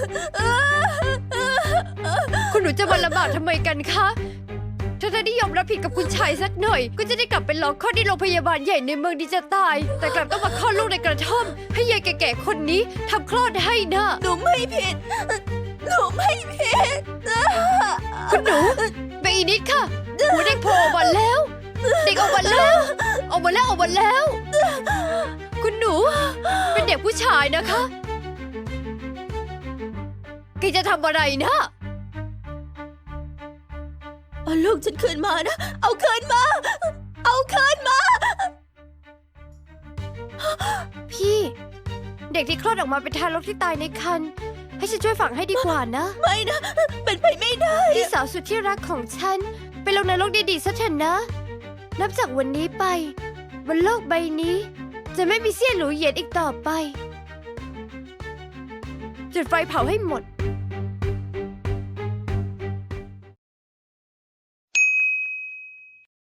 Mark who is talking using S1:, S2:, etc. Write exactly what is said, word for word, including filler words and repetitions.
S1: คุณหนูจะมาลำบากทำไมกันคะถ้าได้ยอมรับผิดกับคุณชายสักหน่อยก็จะได้กลับไปรอคลอดที่โรงพยาบาลใหญ่ในเมืองดีจะตายแต่กลับต้องมาคลอดลูกในกระท่อมให้ยายแก่ๆคนนี้ทำคลอดให้นะ
S2: หนูไม่ผิดหนูไม่ผิด
S1: คุณหนูเบอีนิดค่ะหัวเด็กโผล่ออกมาแล้ว เด็กออกมาแล้วออกมาแล้วออกมาแล้ว คุณหนูเป็นเด็กผู้ชายนะคะแกจะทำอะไรนะ
S2: เอาลูกฉันคืนมานะ เอาคืนมา เอาคืนมา
S1: พี่ เด็กที่คลอดออกมาเป็นทารกที่ตายในครรภ์ให้ฉันช่วยฝังให้ดีกว่านะ
S2: ไม่นะ เป็นไปไม่ได้
S1: พี่สาวสุดที่รักของฉันไปลงนรกดีๆซะเถอะนะ นับจากวันนี้ไปบนโลกใบนี้ จะไม่มีเสี้ยนหรูเหยียนอีกต่อไป จุดไฟเผาให้หมด